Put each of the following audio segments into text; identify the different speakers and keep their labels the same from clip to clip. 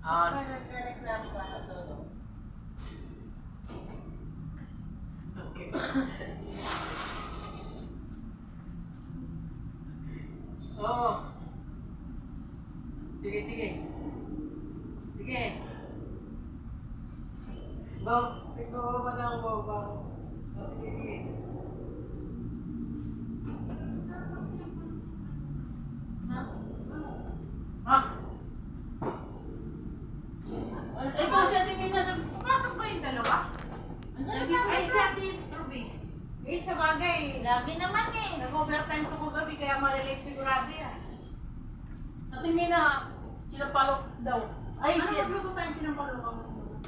Speaker 1: Ah,
Speaker 2: Nagreklamo ka na to.
Speaker 1: okay. Oo. Sige, sige. Sige. Ikaw ba na ako ba? Sige, sige. Ha? Ikaw si Ate Mina.
Speaker 3: Pumasok ba yung dalawa? Ay, si Ate Ruby. Eh, sa bagay.
Speaker 2: Lagi naman eh.
Speaker 3: Nag-overtime to ko gabi, kaya malilate sigurado yan.
Speaker 1: Ate Mina, sinapalok daw. Ay,
Speaker 3: Ano
Speaker 1: siya.
Speaker 3: magluto tayo sinampalukang?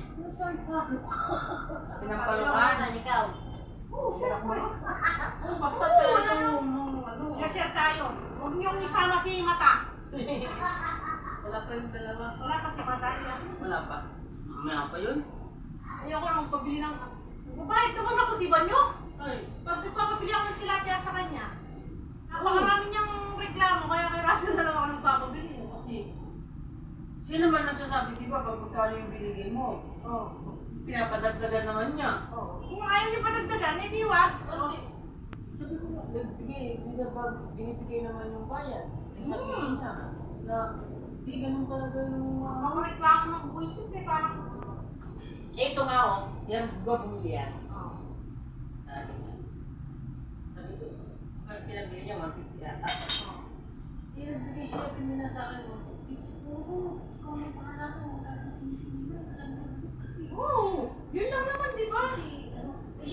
Speaker 1: Pinapalukan.
Speaker 2: Ikaw.
Speaker 3: Oo, sarap mo rin.
Speaker 1: Basta
Speaker 3: Oo,
Speaker 1: tayo
Speaker 3: wala
Speaker 1: ano.
Speaker 3: Share tayo. Huwag niyong isama si Mata.
Speaker 1: Wala pa yung dalawa.
Speaker 3: Wala kasi Mata yan.
Speaker 1: Wala pa. Mamaya pa yun.
Speaker 3: Ayoko na magpabili ng... Bakit naman ako, di ba nyo?
Speaker 1: Ay.
Speaker 3: Pag nagpapabili ako ng tilapia sa kanya, napakarami niyang reklamo, kaya kay Russell na lang ako nagpapabili.
Speaker 1: Kasi, sino man nagsasabi, di ba, pag magkano yung binigay mo,
Speaker 3: Oo.
Speaker 1: pinapadagdagan naman niya.
Speaker 3: Oo. Kung ayaw niyo pa dagdagan, eh di wag.
Speaker 1: Okay. Sabi ko nga, binibigay naman yung bayan. Sabihin niya, na, di ganun talaga yung
Speaker 3: Makareklamo ng buwisit eh, parang...
Speaker 1: Ito nga oh, yan ba bumili yan?
Speaker 3: Oo.
Speaker 1: Sabi niya. Sabi ko, pag pinabili niya, 150 yata. Pinabili siya, pinila sa akin, oo, ikaw na pangalan ko.
Speaker 3: Oo, yun lang